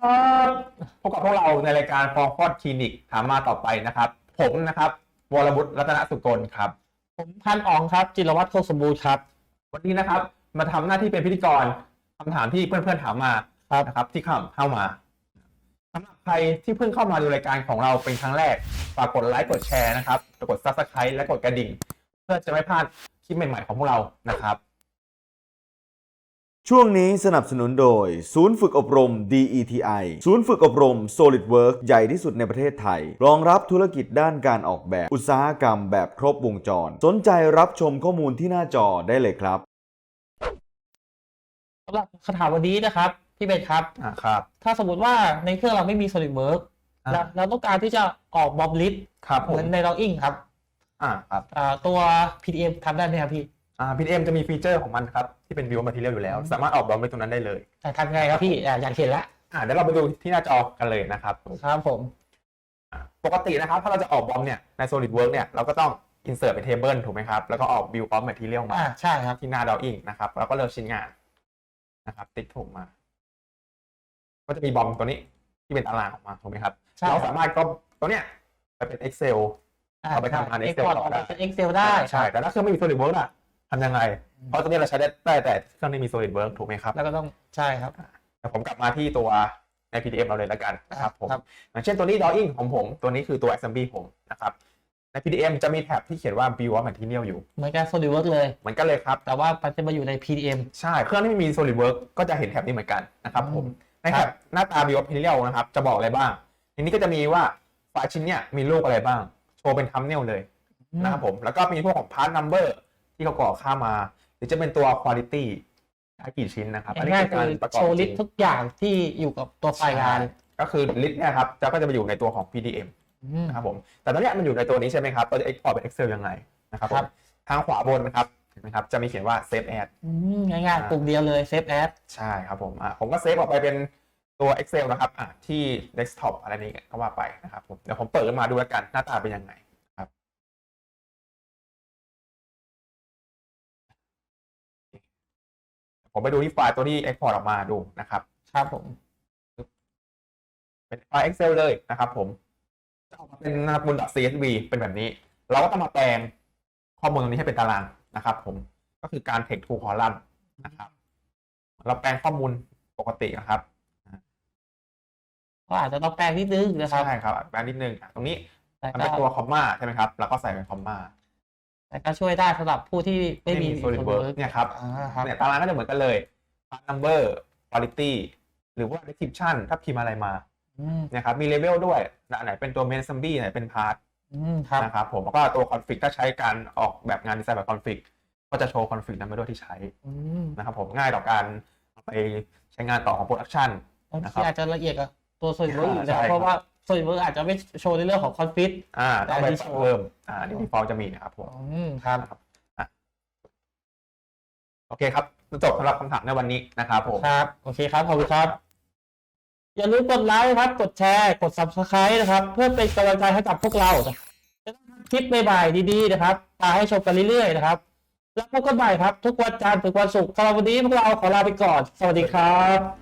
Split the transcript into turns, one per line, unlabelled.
ครับพบกับพวกเราในรายการฟอร์คอดคลินิกถามมาต่อไปนะครับผมนะครับวรวุฒิรัตนสุกลครับ
ผมพันอ๋องครับจิรวัตรโคกสมบูรณ์ครับ
วันนี้นะครับมาทำหน้าที่เป็นพิธีกรคำถามที่เพื่อนๆถามมานะครับที่เข้ามาสำหรับใครที่เพิ่งเข้ามาดูรายการของเราเป็นครั้งแรกฝากกดไลค์กดแชร์นะครับกด Subscribe และกดกระดิ่งเพื่อจะไม่พลาดคลิปใหม่ๆของพวกเรานะครับ
ช่วงนี้สนับสนุนโดยศูนย์ฝึกอบรม DETI ศูนย์ฝึกอบรม SolidWorks ใหญ่ที่สุดในประเทศไทยรองรับธุรกิจด้านการออกแบบอุตสาหกรรมแบบครบวงจรสนใจรับชมข้อมูลที่หน้าจอได้เลยครับ
สำหรับคำถามวันนี้นะครับพี่เบนครับ
ครับ
ถ้าสมมติว่าในเครื่องเราไม่มี SolidWorks เราต้องการที่จะออกบอมลิสต์เหมือนใน Drawing ครับ
ครับ
ตัว PDM ทำได้ไหมครับพี่
PDM จะมีฟีเจอร์ของมันครับที่เป็น View Material อยู่แล้วสามารถออกบอมไปตรงนั้นได้เลย
ทำยังไงครับพี่อยากเห็นละ
เดี๋ยวเราไปดูที่หน้าจอกันเลยนะครับ
ครับผม
ปกตินะครับถ้าเราจะออกบอมเนี่ยใน SolidWorks เนี่ยเราก็ต้อง insert เป็น table ถูกไหมครับแล้วก็ออก View of Material มา
ใช่ครับ
ที่หน้า Drawing นะครับแล้วก็เลือกชิ้นงานนะครับติ๊กถูกมาก็จะมีบอมตัวนี้ที่เป็นตารางออกมาถูกไหมครับเราสามารถก็ตัวเนี้ยไปเป็น Excel เอาไปทำงาน Excel ต่อได้
เป็น Excel ได้
ใช่แต่ถ้าเครื่องไม่มี SolidWorks ล่ะทำยังไงเพราะตัวนี้เราใช้ได้แต่เครื่องที่มี SolidWorks ถูกไหมครับ
แล้วก็ต้องใช่ครับ
แต่ผมกลับมาที่ตัวใน PDF เราเลยแล้วกันนะครับผมอย่างเช่นตัวนี้ Drawing ของผมตัวนี้คือตัว Assembly ผมนะครับใน PDM จะมีแท็บที่เขียนว่า View of Material อยู่
เหมือนกับ SolidWorks เลย
เหมือนกันเลยครับ
แต่ว่ามันจะมาอยู่ใน PDM
ใช่เครื่องที่ไม่มี SolidWorks ก็จะเห็นแท็บนี้เหมือนกันนะครับผมในแท็บหน้าตา View of Material นะครับจะบอกอะไรบ้างทีนี้ก็จะมีว่าไฟล์ชิ้นเนี้ยมีรูปอะไรบ้างโชว์เป็น thumbnail เลยนะครับผมแล้วก็มีพวกของ part number ที่เขาก่อค่ามาหรือจะเป็นตัว quality กี่ชิ้นนะครับ
อันนี้คือการโชว์ลิสต์ทุกอย่างที่อยู่กับตัวไฟล์งาน
ก็คือลิสต์เนี่ยครับก็จะไปอยู่ในตัวของ PDM นะครับผมแต่ตอนนี้มันอยู่ในตัวนี้ใช่ไหมครับเราจะ export เป็น Excel ยังไงนะครับผมทางขวาบนนะครับเห็นไหมครับจะมีเขียนว่า Save As
ง่ายๆปุ่มเดียวเลย Save As
ใช่ครับผมก็เซฟออกไปเป็นตัว Excel นะครับที่ desktop อะไรนี้ก็ว่าไปนะครับผมเดี๋ยวผมเปิดขึ้นมาดูแล้วกันหน้าตาเป็นยังไงครับผมไปดูที่ไฟล์ตัวที่ export ออกมาดูนะครับ
ครับผม
เป็นไฟล์ Excel เลยนะครับผมจะออกมาเป็นบน .csv เป็นแบบนี้เราก็ต้องมาแปลงข้อมูลตรงนี้ให้เป็นตารางนะครับผมก็คือการ text to column นะครับเราแปลงข้อมูลปกตินะครับ
ก็อาจจะต้องแปลงนิดนึงนะครับ
ใช่ครับแปลงนิดนึงตรงนี้มันเป็นตัวคอมมาใช่ไหมครับแล้วก็ใส่เป็นคอมมา
แต่ก็ช่วยได้สำหรับผู้ที่ไม่มี
SolidWorks เนี่ยครับเนี่ยตารางก็จะเหมือนกันเลย part number quality หรือว่า description ถ้าพิมพ์อะไรมาเนี่ยครับมี level ด้วยอันไหนเป็นตัว main assembly ไหนเป็น part นะครับผมแล้วก็ตัว config ถ้าใช้การออกแบบงานดีไซน์แบบ config ก็จะโชว์ config นั้นไปด้วยที่ใช้นะครับผมง่ายต่อการไปใช้งานต่อของ production
ที่อาจจะละเอียดกับตัว SolidWorks อยู่แล้วเพราะว่า SolidWorks อาจจะไม่โชว์ในเรื่องของ config
แต่ไปเพิ่มdefault จะมีนะครับผม
ครับ
โอเคครับจบสำหรับคำถามในวันนี้นะครับผม
ครับโอเคครับขอบคุณครับอย่าลืมกดไลค์ครับกดแชร์กด Subscribe นะครับเพื่อเป็นกำลังใจให้กับพวกเราจะคลิปใหม่ๆดีๆนะครับมาให้ชมกันเรื่อยๆนะครับแล้วพบกันใหม่ครับทุกวันจันทร์ถึงวันศุกร์สำหรับวันนี้พวกเราขอลาไปก่อนสวัสดีครับ